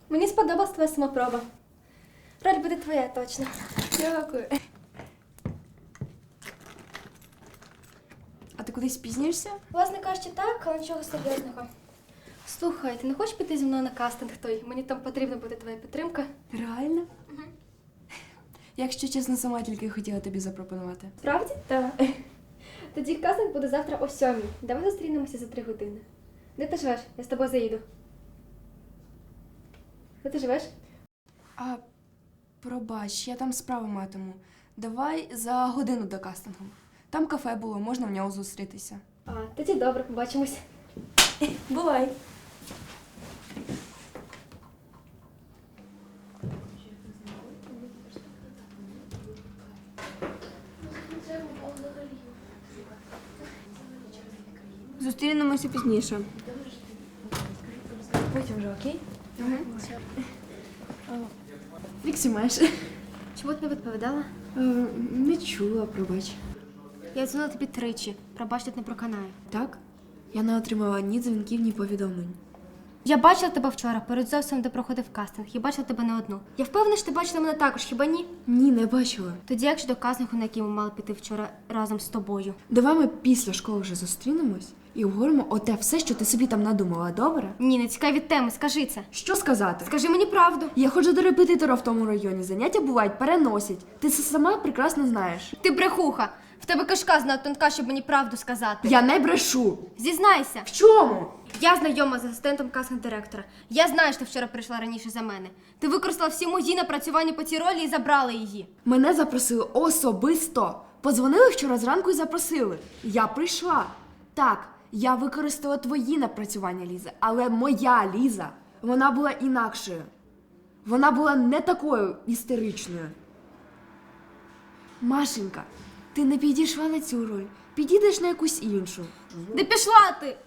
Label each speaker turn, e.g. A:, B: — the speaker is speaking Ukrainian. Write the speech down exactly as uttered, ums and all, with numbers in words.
A: Мені сподобалась твоя самопроба. Роль буде твоя, точно.
B: Дякую. А ти кудись спізнюєшся?
A: Власне кажучи, так, але нічого серйозного. Слухай, ти не хочеш піти зі мною на кастинг той? Мені там потрібна буде твоя підтримка.
B: Реально? Угу. Якщо чесно, сама тільки хотіла тобі запропонувати.
A: Справді? Так. Тоді кастинг буде завтра о сьомій. Давай зустрінемося за три години. Де ти живеш? Я з тобою заїду. Де ти живеш?
B: А, пробач, я там справу матиму. Давай за годину до кастингу. Там кафе було, можна в нього зустрітися.
A: А, тоді добре, побачимось.
B: Бувай!
C: Зустрінемося пізніше.
B: Потім вже, окей? Угу. Як си маєш?
A: Чому ти не відповідала?
B: Е, Не чула, пробач.
A: Я дзвонила тобі тричі. Пробач, тут не проканаю.
B: Так? Я не отримала ні дзвінків, ні повідомлень.
A: Я бачила тебе вчора, перед зовсім, де проходив кастинг. Я бачила тебе не одну. Я впевнена, що ти бачила мене також, хіба ні?
B: Ні, не бачила.
A: Тоді як щодо кастингу, на який ми мали піти вчора разом з тобою?
B: Давай ми після школи вже зустрінемось і обговоримо оте все, що ти собі там надумала, добре?
A: Ні, не цікаві теми, скажи це.
B: Що сказати?
A: Скажи мені правду.
B: Я ходжу до репетитора в тому районі, заняття бувають, переносять. Ти це сама прекрасно знаєш.
A: Ти брехуха. В тебе кишка знає тонка, щоб мені правду сказати.
B: Я не брешу.
A: Зізнайся.
B: В чому?
A: Я знайома з асистентом кастинг-директора. Я знаю, що ти вчора прийшла раніше за мене. Ти використала всі мої напрацювання по цій ролі і забрала її.
B: Мене запросили особисто. Подзвонили вчора зранку і запросили. Я прийшла. Так, я використала твої напрацювання, Ліза, але моя Ліза, вона була інакшою. Вона була не такою істеричною. Машенька, ти не підійшла на цю роль. Підійдеш на якусь іншу.
A: Де пішла ти?